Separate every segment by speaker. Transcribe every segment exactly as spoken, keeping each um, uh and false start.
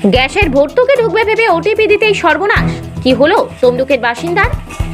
Speaker 1: গ্যাসের ভর্তুকি ঢুকবে ভেবে ওটিপি দিতেই সর্বনাশ। কি হলো তমলুকের বাসিন্দার?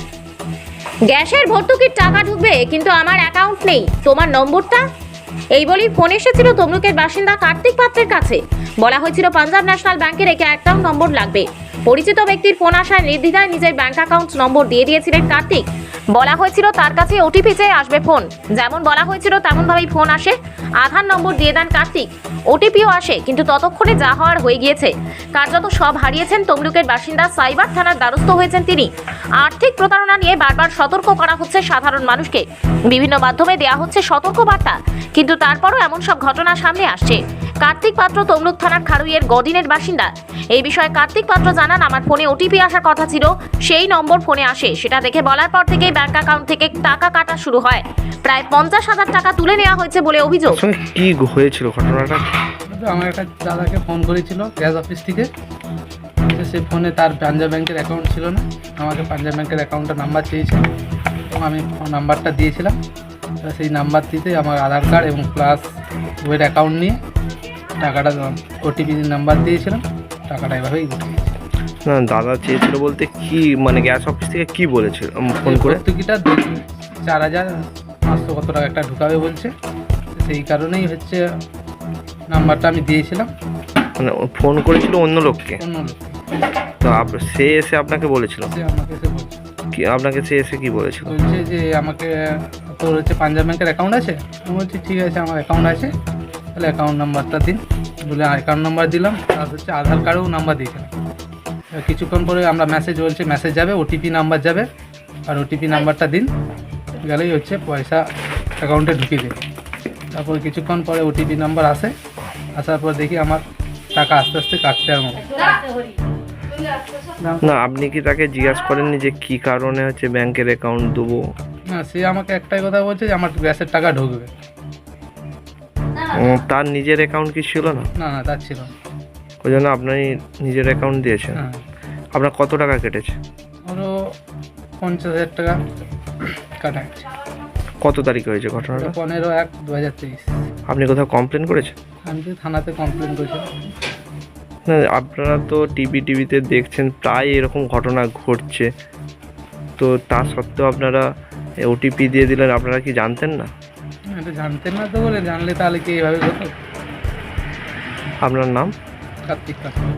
Speaker 1: গ্যাসের ভর্তুকির টাকা ঢুকবে কিন্তু আমার অ্যাকাউন্ট নেই, তোমার নম্বরটা? এই বলেই ফোন এসেছিল তমলুকের বাসিন্দা কার্তিক পাত্রের কাছে। বলা হয়েছিল পাঞ্জাব ন্যাশনাল ব্যাংকের একটি অ্যাকাউন্ট নম্বর লাগবে। পরিচিত ব্যক্তির ফোন আসায় নির্দ্বিধায় নিজের ব্যাংক অ্যাকাউন্ট নম্বর দিয়ে দিয়েছিলেন কার্তিক। বলা হয়েছিল তার কাছে ওটিপি চেয়ে আসবে ফোন। যেমন বলা হয়েছিল তেমন ভাবেই ফোন আসে। আধার নম্বর দিয়ে দেন কার্তিক, ওটিপিও আসে, কিন্তু ততক্ষণে যা হওয়ার হয়ে গিয়েছে। কার্যত সব হারিয়েছেন তমলুকের বাসিন্দা। সাইবার থানার দ্বারস্থ হয়েছেন তিনি। আর্থিক প্রতারণা নিয়ে বারবার সতর্ক করা হচ্ছে সাধারণ মানুষকে। বিভিন্ন মাধ্যমে দেওয়া হচ্ছে সতর্ক বার্তা, কিন্তু তারপরও এমন সব ঘটনা সামনে আসছে। কার্তিক পাত্র তমলুক থানার খারুইয়ের গডিনের বাসিন্দা। এই বিষয়ে কার্তিক পাত্র জানান, আমার ফোনে ওটিপি আসার কথা ছিল, সেই নম্বর ফোনে আসে। সেটা দেখে বলার পর থেকেই ব্যাংক অ্যাকাউন্ট থেকে টাকা কাটা শুরু হয়। প্রায় পঞ্চাশ হাজার টাকা তুলে নেওয়া হয়েছে বলে অভিযোগ।
Speaker 2: কি হয়েছিল ঘটনাটা?
Speaker 3: আমার একটা দাদাকে ফোন করেছিল গ্যাস অফিস থেকে। সে ফোনে তার পাঞ্জাব ব্যাংকের অ্যাকাউন্ট ছিল না, আমাকে পাঞ্জাব ব্যাংকের অ্যাকাউন্টের নাম্বার চেয়েছে এবং আমি নাম্বারটা দিয়েছিলাম। সেই নাম্বার দিতে আমার আধার কার্ড এবং প্লাস ওয়ের অ্যাকাউন্ট নিয়ে টাকাটা ওটিপি নাম্বার দিয়েছিলাম, টাকাটা এভাবেই উঠে গেছে।
Speaker 2: না, দাদা চেয়েছিল বলতে কি, মানে গ্যাস অফিস থেকে কি বলেছিল ফোন করে?
Speaker 3: ভর্তুকিটা চার হাজার পাঁচশো কত টাকা একটা ঢুকাবে বলছে, সেই কারণেই হচ্ছে নাম্বারটা আমি দিয়েছিলাম।
Speaker 2: মানে ফোন করেছিল অন্য লোককে?
Speaker 3: অন্য লোককে।
Speaker 2: তো সে এসে আপনাকে বলেছিল?
Speaker 3: সে আমাকে এসে বলছে
Speaker 2: কি আপনাকে সে এসে কি বলেছিল?
Speaker 3: বলছে যে আমাকে তোর হচ্ছে পাঞ্জাব ব্যাংকের অ্যাকাউন্ট আছে? আমি বলছি ঠিক আছে, আমার অ্যাকাউন্ট আছে, তাহলে অ্যাকাউন্ট নাম্বারটা দিন। বলে অ্যাকাউন্ট নাম্বার দিলাম, আর হচ্ছে আধার কার্ডেও নাম্বার দিয়েছিলাম। কিছুক্ষণ পরে আমরা মেসেজ বলছে মেসেজ যাবে, ওটিপি নাম্বার যাবে, আর ওটিপি নাম্বারটা দিন, গেলেই হচ্ছে পয়সা অ্যাকাউন্টে ঢুকিয়ে দেবে। তারপর কিছুক্ষণ পরে ওটিপি নাম্বার আসে, আসার পর দেখি আমার টাকা আস্তে আস্তে কাটতে আরম্ভ।
Speaker 2: না, আপনি কি তাকে জিজ্ঞাসা করেননি যে কি কারণে হচ্ছে ব্যাংকের অ্যাকাউন্ট দেবো?
Speaker 3: না, সে আমাকে একটাই কথা বলছে যে আমার গ্যাসের টাকা ঢুকবে।
Speaker 2: তার নিজের অ্যাকাউন্ট কি ছিল না?
Speaker 3: না না, তার ছিল না।
Speaker 2: ওই জন্য আপনি নিজের অ্যাকাউন্ট দিয়েছেন।
Speaker 3: হ্যাঁ,
Speaker 2: আপনার কত টাকা কেটেছে?
Speaker 3: ওরও পঞ্চাশ হাজার টাকা কাটা গেছে।
Speaker 2: কত তারিখে হয়েছে ঘটনাটা?
Speaker 3: পনেরো এক দু হাজার তেইশ।
Speaker 2: আপনি কোথাও কমপ্লেন করেছেন?
Speaker 3: আমি তো থানাতে কমপ্লেন করেছিলাম।
Speaker 2: না, আপনারা তো টিভি টিভিতে দেখছেন প্রায় এরকম ঘটনা ঘটছে, তো তা সত্ত্বেও আপনারা ওটিপি দিয়ে দিলেন। আপনারা কি জানতেন না?
Speaker 3: এটা জানতেন না তো, বলে জানলে তাহলে কি এইভাবে হতো?
Speaker 2: আপনার নাম?
Speaker 3: কার্তিক পাত্র।